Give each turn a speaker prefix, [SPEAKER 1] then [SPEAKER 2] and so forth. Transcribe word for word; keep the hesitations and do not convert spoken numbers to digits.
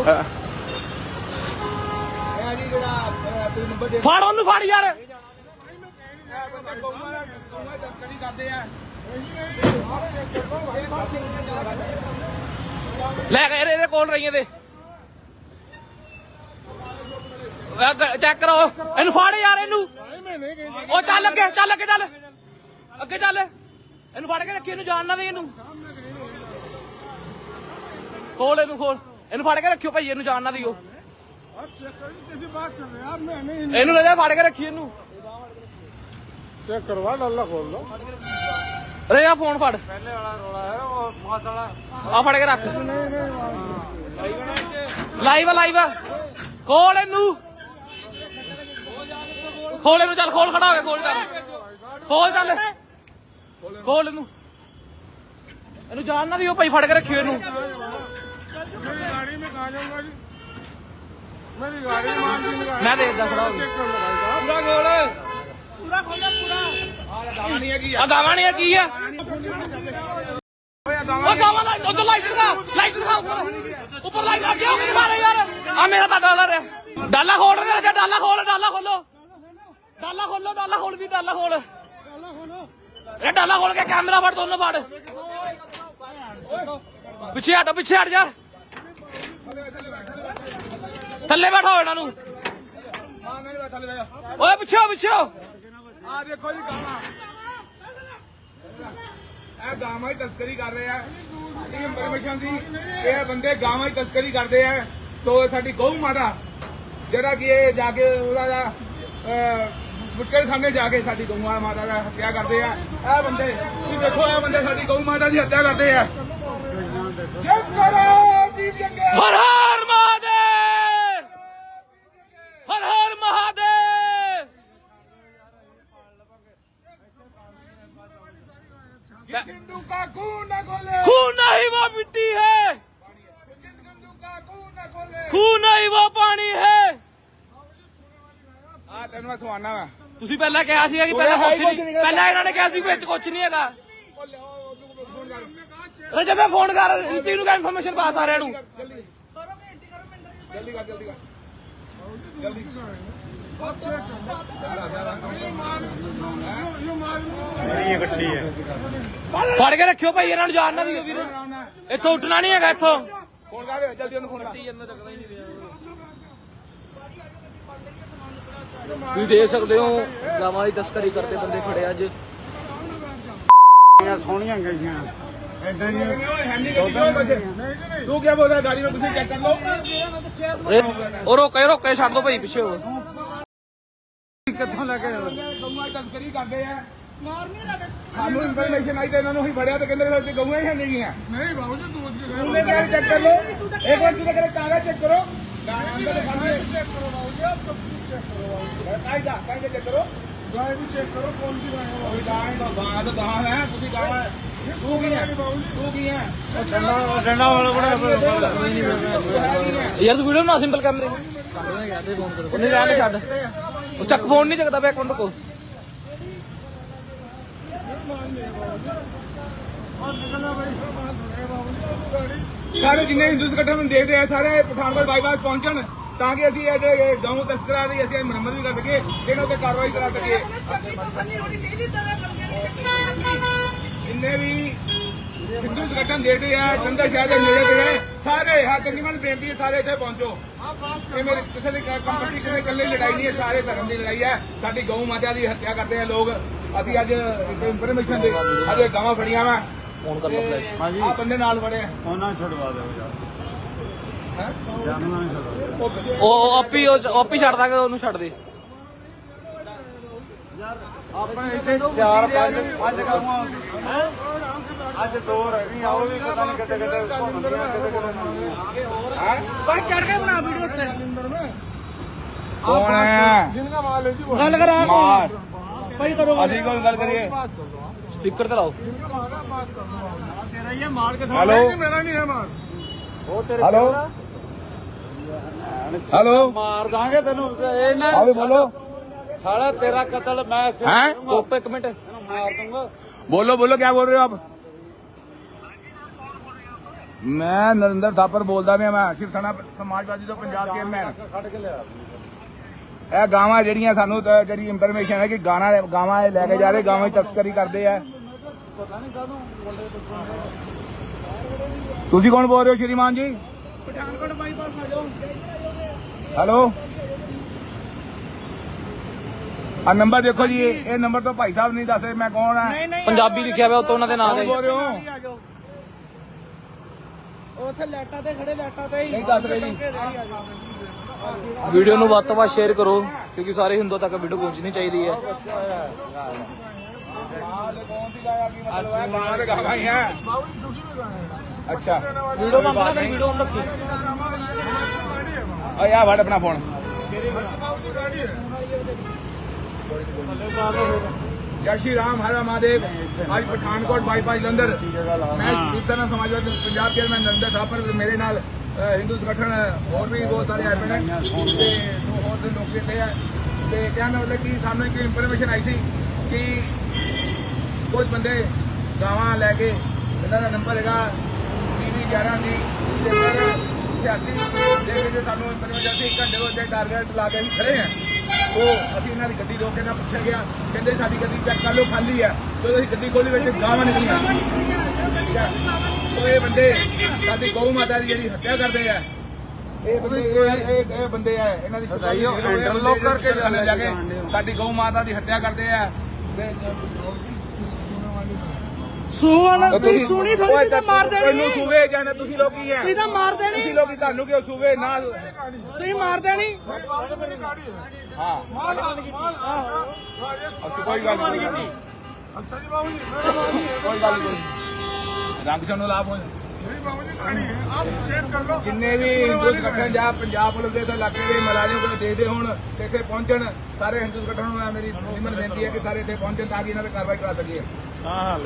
[SPEAKER 1] ਫੜ ਉਹਨੂੰ ਫੜ ਯਾਰ ਲੈ ਕੇ ਇਹਦੇ ਕੋਲ ਰਹੀਆਂ ਤੇ ਚੈੱਕ ਕਰੋ ਇਹਨੂੰ ਫੜ ਯਾਰ ਇਹਨੂੰ ਉਹ ਚੱਲ ਅੱਗੇ ਚੱਲ ਅੱਗੇ ਚੱਲ ਅੱਗੇ ਚੱਲ ਇਹਨੂੰ ਫੜ ਕੇ ਰੱਖੀ ਇਹਨੂੰ ਜਾਣ ਨਾ ਦੇ ਇਹਨੂੰ ਖੋਲ ਇਹਨੂੰ ਖੋਲ ਇਹਨੂੰ ਫੜ ਕੇ ਰੱਖਿਓ ਭਾਈ ਇਹਨੂੰ ਜਾਣ ਨਾ ਦਿਓ ਇਹਨੂੰ ਲੈ ਜਾ ਫੜ ਕੇ ਰੱਖੀ ਇਹਨੂੰ
[SPEAKER 2] ਚੈੱਕ ਕਰਵਾ ਡੱਲਾ ਖੋਲ ਲੋ
[SPEAKER 1] ਅਰੇ ਆ ਫੋਨ ਫੜ
[SPEAKER 2] ਪਹਿਲੇ ਵਾਲਾ ਰੋਲਾ ਹੈ ਉਹ ਮਾਤ ਵਾਲਾ
[SPEAKER 1] ਆ ਫੜ ਕੇ ਰੱਖ ਲਾਈਵ ਆ ਲਾਈਵ ਆ ਖੋਲ ਇਹਨੂੰ ਖੋਲ ਇਹਨੂੰ ਚੱਲ ਖੋਲ ਖੜਾ ਹੋ ਗਿਆ ਖੋਲ ਚੱਲ ਖੋਲ ਚੱਲ ਖੋਲ ਇਹਨੂੰ ਇਹਨੂੰ ਜਾਣ ਨਾ ਦਿਓ ਭਾਈ ਫੜ ਕੇ ਰੱਖਿਓ ਇਹਨੂੰ
[SPEAKER 2] मेरी गाड़ी में कहा जाऊंगा जी मेरी गाड़ी में मान जी लगा
[SPEAKER 1] मैं देखदा खड़ा हो
[SPEAKER 2] चेक कर लो भाई साहब
[SPEAKER 1] पूरा खोल
[SPEAKER 2] पूरा खोलो पूरा आ गावा नहीं है की
[SPEAKER 1] आ गावा नहीं है की है ओ गावा लाइट उधर लाइट दिखा लाइट दिखा ऊपर ऊपर लाइट आ गया मेरे मारे यार आ मेरा तो डॉलर है डाला खोल रे जा डाला खोल डाला खोलो डाला खोलो डाला खोल दी डाला खोल ए डाला खोल के कैमरा फड़ दोनों फड़ पीछे हट पीछे हट जा थल्ले बैठो इन्हों ओए पिछे हो पिछे हो
[SPEAKER 2] आ देखो जी गावा ਇਹ ਗਾਵਾਂ ਦੀ ਤਸਕਰੀ ਕਰ ਰਹੇ ਆ ਇਹ ਇਨਫੋਰਮੇਸ਼ਨ ਦੀ ਇਹ ਬੰਦੇ ਗਾਵਾਂ ਦੀ ਤਸਕਰੀ ਕਰਦੇ ਆ ਸੋ ਸਾਡੀ ਗਊ ਮਾਤਾ ਜਿਹੜਾ ਕਿ ਇਹ ਜਾ ਕੇ ਉਹਦਾ ਦਾ ਬੁੱਚੜ ਖਾਨੇ ਜਾ ਕੇ ਸਾਡੀ ਗਊ ਮਾਤਾ ਦਾ ਹੱਤਿਆ ਕਰਦੇ ਆ ਇਹ ਬੰਦੇ ਤੁਸੀਂ ਦੇਖੋ ਇਹ ਬੰਦੇ ਸਾਡੀ ਗਊ ਮਾਤਾ ਦੀ ਹੱਤਿਆ ਕਰਦੇ ਆ ਜੈ ਕਰੋ ਦੀਪ ਜੰਗੇ
[SPEAKER 1] हर हर महादेव हर हर महादेव
[SPEAKER 2] हिंदू का खून न खोले
[SPEAKER 1] खून नहीं वो मिट्टी है
[SPEAKER 2] हिंदू का खून न खोले
[SPEAKER 1] खून नहीं वो पानी है
[SPEAKER 2] ਆ ਤੈਨੂੰ ਮੈਂ ਸੁਣਾਣਾ ਵਾ
[SPEAKER 1] ਤੁਸੀਂ ਪਹਿਲਾਂ ਕਿਹਾ ਸੀਗਾ ਕਿ ਪਹਿਲਾਂ ਕੁਝ ਨਹੀਂ ਪਹਿਲਾਂ ਇਹਨਾਂ ਨੇ ਕਿਹਾ ਸੀ ਵਿੱਚ ਕੁਝ ਨਹੀਂ ਹੈਗਾ ਅਰੇ ਜਦੋਂ ਫੋਨ ਕਰ ਰੀਤੀ ਨੂੰ ਕਾ ਇਨਫੋਰਮੇਸ਼ਨ ਪਾਸ ਆ ਰਿਹਾ ਨੂੰ
[SPEAKER 2] ਜਲਦੀ ਕਰ ਜਲਦੀ ਕਰ ਜਲਦੀ ਇਹ ਇਕੱਠੀ ਹੈ
[SPEAKER 1] ਫੜ ਕੇ ਰੱਖਿਓ ਭਾਈ ਇਹਨਾਂ ਨੂੰ ਜਾਣ ਨਾ ਦਿਓ ਵੀਰ ਇੱਥੋਂ ਉੱਠਣਾ ਨਹੀਂ ਹੈਗਾ ਇੱਥੋਂ
[SPEAKER 2] ਫੋਨ ਕਰ ਜਲਦੀ ਉਹਨੂੰ ਫੋਨ ਕਰ
[SPEAKER 1] ਤੁਸੀਂ ਦੇਖ ਸਕਦੇ ਹੋ ਗਾਵਾਂ ਦੀ ਤਸਕਰੀ ਕਰਦੇ ਬੰਦੇ ਫੜੇ ਅੱਜ
[SPEAKER 2] ਸੋਹਣੀਆਂ ਗਈਆਂ ਏਦਾਂ ਹੀ ਤੂੰ ਕੀ ਬੋਲਦਾ ਗਾੜੀ में ਤੁਸੀਂ ਚੈੱਕ ਕਰ ਲਓ
[SPEAKER 1] ਉਹ ਰੋਕੇ ਰੋਕੇ ਛੱਡ ਦੋ ਭਾਈ ਪਿੱਛੇ ਹੋ
[SPEAKER 2] ਕਿੱਥੋਂ ਲੈ ਕੇ ਗਊਆਂ ਤਸਕਰੀ ਕਰਦੇ ਆ ਸਾਨੂੰ ਇਨਫੋਰਮੇਸ਼ਨ ਆਈ ਤੇ ਇਹਨਾਂ ਨੂੰ ਹੀ ਫੜਿਆ ਤੇ ਕਹਿੰਦੇ ਵਿੱਚ ਗਊਆਂ ਹੀ ਨਹੀਂ ਗਈਆਂ ਨਹੀਂ ਬਾਬੂ ਜੀ ਤੂੰ ਉਹਨੇ ਕਿਹਾ ਚੈੱਕ ਕਰ ਲਓ ਇੱਕ ਵਾਰ ਤੁਸੀਂ ਕਹਿੰਦੇ ਕਾਗਜ਼ ਚੈੱਕ ਕਰੋ ਅੰਦਰ ਖਾਣੇ ਚੈੱਕ ਕਰੋ ਬਾਬੂ ਜੀ ਆਪ सब कुछ चेक करो बाबू जी कायदा कायदा चेक करो गाय भी चेक करो कौन सी गाय है गाय तो गाय तो गाय है ਤੁਸੀਂ गाय है तू की है तू की है डंडा डंडा वाला बड़ा
[SPEAKER 1] ਯਾਰ ਤੂੰ ਵੀਡੀਓ ਬਣਾ ਸਿੰਪਲ ਕੈਮਰੇ ਸਾਡੇ ਗਿਆ ਤੇ ਫੋਨ ਕਰੋ ਉਹਨੇ ਰਹਿਣ ਛੱਡ ਉਹ ਚੱਕ ਫੋਨ ਨਹੀਂ ਚੱਕਦਾ ਪਿਆ ਇੱਕ ਮਿੰਟ ਕੋ
[SPEAKER 2] ਸਾਰੇ ਜਿੰਨੇ ਹਿੰਦੂ ਸੰਗਠਨ ਨੂੰ ਦੇਖਦੇ ਆ ਸਾਰੇ ਪਠਾਨਕੋਟ ਬਾਈਪਾਸ ਪਹੁੰਚਣ ਤਾਂ ਕਿ ਅਸੀਂ ਇਹ ਗਊ ਤਸਕਰਾਂ ਦੀ ਅਸੀਂ ਮੁਰੰਮਤ ਵੀ ਕਰ ਸਕੀਏ ਇਹਨਾਂ ਉੱਤੇ ਕਾਰਵਾਈ ਕਰਾ ਸਕੀਏ ਜਿੰਨੇ ਵੀ ਹਿੰਦੂ ਸੰਗਠਨ ਦੇਖਦੇ ਆ ਚੰਦਰ ਸ਼ਹਿਰ ਦੇ ਨੇੜੇ ਦੇ ਸਾਰੇ ਹਾਂ ਤਕਰੀਬਨ ਬੇਨਤੀ ਹੈ ਸਾਰੇ ਇੱਥੇ ਪਹੁੰਚੋ ਇਹ ਮੇਰੇ ਕਿਸੇ ਦੀ ਕੰਪਨੀ ਕਿਸੇ ਇਕੱਲੇ ਲੜਾਈ ਨਹੀਂ ਹੈ ਸਾਰੇ ਧਰਮ ਦੀ ਲੜਾਈ ਹੈ ਸਾਡੀ ਗਊ ਮਾਤਾ ਦੀ ਹੱਤਿਆ ਕਰਦੇ ਆ ਲੋਕ ਅਸੀਂ ਅੱਜ ਇਨਫੋਰਮੇਸ਼ਨ ਦੇ ਅੱਜ ਗਾਵਾਂ ਫੜੀਆਂ ਵਾ
[SPEAKER 1] ਫੋਨ ਕਰ ਲਓ ਫਲੈਸ਼
[SPEAKER 2] ਹਾਂਜੀ ਆ ਬੰਦੇ ਨਾਲ ਫੜੇ
[SPEAKER 3] ਉਹਨਾਂ ਛੁਡਵਾ ਦਿਓ ਯਾਰ
[SPEAKER 2] ਹੈ
[SPEAKER 3] ਜਾਨਣਾ ਨਹੀਂ ਛੁਡਵਾ
[SPEAKER 1] ਉਹ ਆਪੀ ਉਹ ਆਪੀ ਛੱਡ ਦਾਂਗੇ ਉਹਨੂੰ ਛੱਡ ਦੇ
[SPEAKER 3] ਯਾਰ ਆਪਣੇ ਇੱਥੇ ਚਾਰ ਪੰਜ ਪੰਜ ਗਾਵਾਂ ਅੱਜ ਦੋ ਰਹਿ ਗਈਆਂ ਉਹ ਵੀ ਪਤਾ ਨਹੀਂ ਕਿੱਥੇ ਕਿੱਥੇ ਘੁੰਮਦੀਆਂ ਕਿੱਥੇ ਕਿੱਥੇ
[SPEAKER 2] ਹੈ
[SPEAKER 3] ਬਾਈ ਚੜ ਕੇ ਬਣਾ ਵੀਡੀਓ ਉੱਤੇ
[SPEAKER 2] ਕੌਣ ਹੈ
[SPEAKER 3] ਜਿੰਨਾ ਮਾਲ ਹੈ ਜੀ ਉਹ
[SPEAKER 1] ਗੱਲ ਕਰਾ
[SPEAKER 2] ਮਾਰ
[SPEAKER 3] ਭਾਈ ਕਰੋ
[SPEAKER 2] ਅਸੀਂ ਕੋਲ ਗੱਲ ਕਰੀਏ
[SPEAKER 1] ਸਪੀਕਰ ਤੇ ਲਾਓ
[SPEAKER 3] ਤੇਰਾ ਹੀ ਮਾਰ ਕੇ
[SPEAKER 2] ਹੈਲੋ
[SPEAKER 3] ਮੇਰਾ ਨਹੀਂ ਹੈ ਮਾਰ ਉਹ ਤੇਰੇ
[SPEAKER 2] ਹੈਲੋ ਹੈਲੋ
[SPEAKER 3] ਮਾਰ ਦਾਂਗੇ ਤੈਨੂੰ ਇਹ ਨਾ
[SPEAKER 2] ਹਾਂ ਵੀ ਬੋਲੋ
[SPEAKER 3] ਸਾਲਾ ਤੇਰਾ ਕਤਲ ਮੈਂ
[SPEAKER 2] हैं?
[SPEAKER 1] ਚੁੱਪ ਇੱਕ ਮਿੰਟ
[SPEAKER 3] ਤੈਨੂੰ ਮਾਰ ਦੂੰਗਾ
[SPEAKER 2] बोलो बोलो क्या बोल रहे हो आप ਮੈਂ ਨਰਿੰਦਰ ਥਾਪਰ ਬੋਲਦਾ ਪਿਆ। ਮੈਂ ਸ਼ਿਵ ਸੈਨਾ ਸਮਾਜਵਾਦੀ ਤੋਂ ਪੰਜਾਬ ਦੇ ਮੈਂ
[SPEAKER 3] ਕੱਢ ਕੇ ਲਿਆ
[SPEAKER 2] ਇਹ ਗਾਵਾਂ ਜਿਹੜੀਆਂ ਸਾਨੂੰ ਤਾਂ ਜਿਹੜੀ ਇਨਫੋਰਮੇਸ਼ਨ ਹੈ ਕਿ ਗਾਣਾ ਗਾਵਾਂ ਇਹ ਲੈ ਕੇ ਜਾ ਰਹੇ, ਗਾਵਾਂ ਦੀ ਤਸਕਰੀ ਕਰਦੇ ਆ।
[SPEAKER 3] ਪਤਾ ਨਹੀਂ ਕਾਹਨੂੰ ਮੁੰਡੇ
[SPEAKER 2] ਤੁਸੀਂ ਕੌਣ ਬੋਲ ਰਹੇ ਹੋ ਸ਼੍ਰੀਮਾਨ ਜੀ?
[SPEAKER 3] ਪਠਾਨਕੋਟ ਬਾਈਪਾਸ ਆ ਜਾਓ।
[SPEAKER 2] ਹੈਲੋ, ਆ ਨੰਬਰ ਦੇਖੋ ਜੀ, ਇਹ ਨੰਬਰ ਤੋਂ ਭਾਈ ਸਾਹਿਬ ਨਹੀਂ ਦੱਸ ਰਹੇ ਮੈਂ ਕੌਣ ਆ।
[SPEAKER 1] ਪੰਜਾਬੀ ਲਿਖਿਆ ਹੋਇਆ ਉੱਤੋਂ ਉਹਨਾਂ ਦੇ ਨਾਂ
[SPEAKER 2] ਕੌਣ
[SPEAKER 1] ਦੇ।
[SPEAKER 2] ਬੋਲ ਰਹੇ ਹੋ?
[SPEAKER 3] ਆ ਜਾਓ। ਉੱਥੇ ਲੈਟਾਂ ਤੇ ਖੜੇ, ਲੈਟਾਂ ਤੇ ਹੀ
[SPEAKER 2] ਨਹੀਂ ਦੱਸ ਰਹੇ ਜੀ।
[SPEAKER 1] ਵੀਡੀਓ ਨੂੰ ਵੱਧ ਤੋਂ ਵੱਧ ਸ਼ੇਅਰ ਕਰੋ ਕਿਉਂਕਿ ਸਾਰੇ ਹਿੰਦੂਆਂ ਤੱਕ ਵੀਡੀਓ ਪਹੁੰਚਣੀ ਚਾਹੀਦੀ ਹੈ।
[SPEAKER 2] ਗਾਵਾਂ ਤੇ ਗਾਵਾਂ ਹੀ ਹੈ। ਅੱਛਾ,
[SPEAKER 1] ਵੀਡੀਓ ਬੰਦ ਨਾ ਕਰ, ਵੀਡੀਓ on ਰੱਖੀ।
[SPEAKER 2] ਆ ਯਾ ਵੜ ਆਪਣਾ ਫੋਨ। जय श्री राम, हर महादेव। आज पठानकोट बाईपास जलंधर मैं शिव सेना समाजवादी पंजाब के मैं नरेंद्र थापर मेरे नाल हिंदू संगठन और भी बहुत सारे आए हैं ते और लोग इतने हैं ते कहने मतलब कि सानू एक इंफॉर्मेशन आई सी कि कुछ बंदे गावां लैके इन्हां दा नंबर हैगा टीवी ग्यारह दी छियासी ਦੇ ਵਿੱਚ ਸਾਨੂੰ ਇਨਫੋਰਮੇਸ਼ਨ ਸੀ। ਇੱਕ ਘੰਟੇ ਤੋਂ ਇੱਥੇ ਟਾਰਗੇਟ ਲਾ ਕੇ ਅਸੀਂ ਖੜੇ ਹਾਂ। ਉਹ ਅਸੀਂ ਇਹਨਾਂ ਦੀ ਗੱਡੀ ਰੋਕ ਕੇ ਨਾ ਪੁੱਛਿਆ ਗਿਆ, ਕਹਿੰਦੇ ਸਾਡੀ ਗੱਡੀ ਚੈੱਕ ਕਰ ਲਓ ਖਾਲੀ ਹੈ। ਜਦੋਂ ਅਸੀਂ ਗੱਡੀ ਖੋਲੀ ਵਿੱਚ ਗਾਵਾਂ ਨਿਕਲੀਆਂ। ਉਹ ਇਹ ਬੰਦੇ ਸਾਡੀ ਗਊ ਮਾਤਾ ਦੀ ਜਿਹੜੀ ਹੱਤਿਆ ਕਰਦੇ ਆ। ਇਹ ਬੰਦੇ ਇਹ ਇਹ ਬੰਦੇ ਆ, ਇਹਨਾਂ ਦੀ
[SPEAKER 3] ਇੰਟਰਲੋਕ ਕਰਕੇ
[SPEAKER 2] ਜਾ ਕੇ ਸਾਡੀ ਗਊ ਮਾਤਾ ਦੀ ਹੱਤਿਆ ਕਰਦੇ ਆ।
[SPEAKER 3] ਸੂਵਾਲਾ ਤੁਸੀਂ ਸੁਣੀ ਥੋੜੀ ਤੇ ਮਾਰ
[SPEAKER 2] ਤੈਨੂੰ ਸੂਵੇ ਜਾਣਾ ਤੁਸੀਂ ਲੋਕੀ ਹੈ।
[SPEAKER 3] ਤੁਸੀਂ ਤਾਂ ਮਾਰ ਦੇਣੀ।
[SPEAKER 2] ਤੁਸੀਂ ਲੋਕੀ ਤੁਹਾਨੂੰ ਕਿਉਂ ਸੂਵੇ ਨਾ
[SPEAKER 3] ਤੁਸੀਂ ਮਾਰ ਦੇਣੀ।
[SPEAKER 2] ਹਾਂ
[SPEAKER 3] ਮਾਲ ਮਾਲ
[SPEAKER 2] ਅੱਛਾ, ਕੋਈ ਗੱਲ ਨਹੀਂ।
[SPEAKER 3] ਅੱਛਾ ਜੀ ਬਾਬੂ ਜੀ, ਮੇਰਾ ਬਾਬੂ ਜੀ
[SPEAKER 2] ਕੋਈ ਗੱਲ ਨਹੀਂ। ਰੰਗ ਸਾਨੂੰ ਲਾਭ ਹੋ
[SPEAKER 3] ਮੇਰੀ ਬਾਬੂ ਜੀ ਕਹਾਣੀ ਹੈ, ਆਪ ਸ਼ੇਅਰ ਕਰ ਲਓ।
[SPEAKER 2] ਜਿੰਨੇ ਵੀ ਹਿੰਦੂ ਸੰਗਠਨ ਜਾਂ ਪੰਜਾਬ ਪੁਲਿਸ ਦੇ ਤੇ ਇਲਾਕੇ ਦੇ ਮੁਲਾਜ਼ਮ ਕੋਲ ਦੇਖਦੇ ਹੋਣ ਤੇ ਇੱਥੇ ਪਹੁੰਚਣ। ਸਾਰੇ ਹਿੰਦੂ ਸੰਗਠਨ ਨੂੰ ਮੇਰੀ ਨਿਮਰ ਬੇਨਤੀ ਹੈ ਕਿ ਸਾਰੇ ਇੱਥੇ ਪਹੁੰਚਣ ਤਾਂ ਕਿ ਇਹਨਾਂ ਤੇ ਕਾਰਵਾਈ ਕਰਾ ਸਕੀਏ।